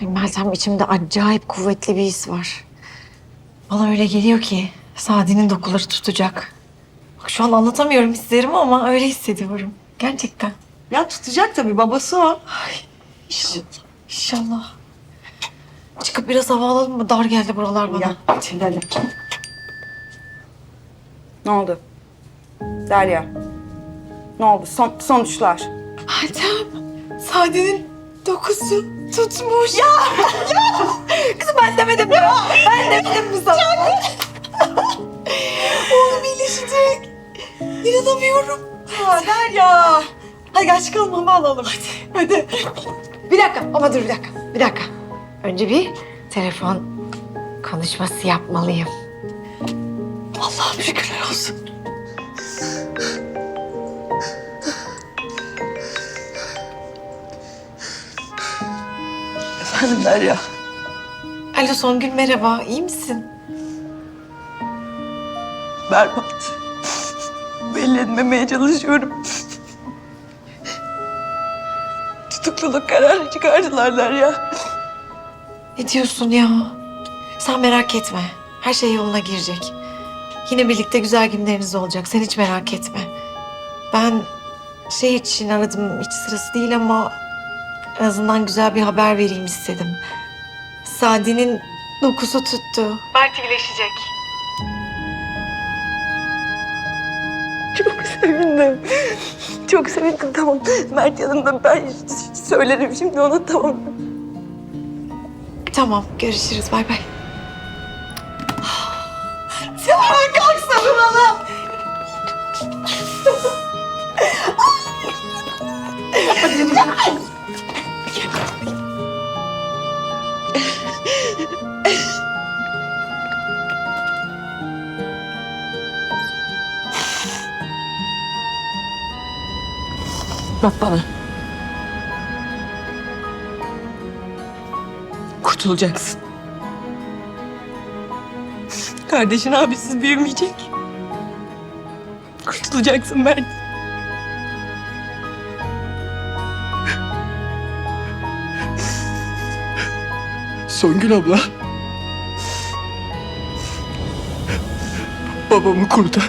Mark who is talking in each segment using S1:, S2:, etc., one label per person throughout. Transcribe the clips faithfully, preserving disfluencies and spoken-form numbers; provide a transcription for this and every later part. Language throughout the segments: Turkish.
S1: Ay Meltem, içimde acayip kuvvetli bir his var. Bana öyle geliyor ki Sadi'nin dokuları tutacak. Bak şu an anlatamıyorum hislerimi ama öyle hissediyorum. Gerçekten.
S2: Ya tutacak tabii, babası o.
S1: İnşallah. İnşallah. Çıkıp biraz hava alalım mı? Dar geldi buralar bana.
S2: Gel, hadi, hadi. Ne oldu? Derya. Ne oldu? Son, sonuçlar.
S1: Meltem, Sadi'nin dokusu tutmuş. Ya! Ya! Kızım ben demedim mi? Ben demedim mi sana? Oğlum iyileşecek. İnanamıyorum.
S2: Ya Derya.
S1: Hadi gel çıkalım, hava alalım. Hadi. Hadi. Bir dakika ama dur bir dakika. Bir dakika. Önce bir telefon konuşması yapmalıyım. Allah'ım şükürler olsun.
S2: Efendim Derya.
S1: Alo Songül, merhaba. İyi misin?
S2: Berbat. Belli etmemeye çalışıyorum. Tutukluluk kararı çıkardılar Derya.
S1: Ne diyorsun ya? Sen merak etme. Her şey yoluna girecek. Yine birlikte güzel günleriniz olacak. Sen hiç merak etme. Ben şey için aradım. Hiç sırası değil ama en azından güzel bir haber vereyim istedim. Sadi'nin dokusu tuttu. Mert iyileşecek.
S2: Çok sevindim. Çok sevindim, tamam. Mert yanımda, ben söylerim şimdi ona, tamam.
S1: Tamam, görüşürüz. Bay bay.
S2: Sen kalk sarılalım. Bak bana. Kurtulacaksın. Kardeşin abisiz büyümeyecek. Kurtulacaksın Mert.
S3: Songül abla. Babamı kurtar.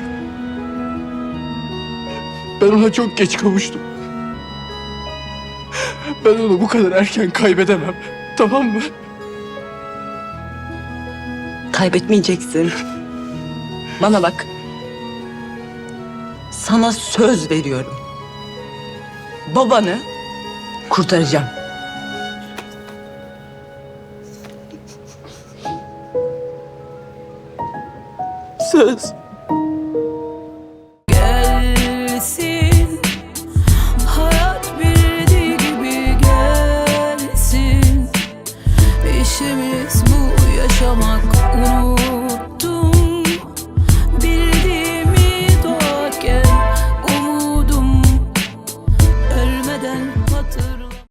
S3: Ben ona çok geç kavuştum. Ben onu bu kadar erken kaybedemem. Tamam mı?
S2: Kaybetmeyeceksin. Bana bak. Sana söz veriyorum. Babanı kurtaracağım. Söz.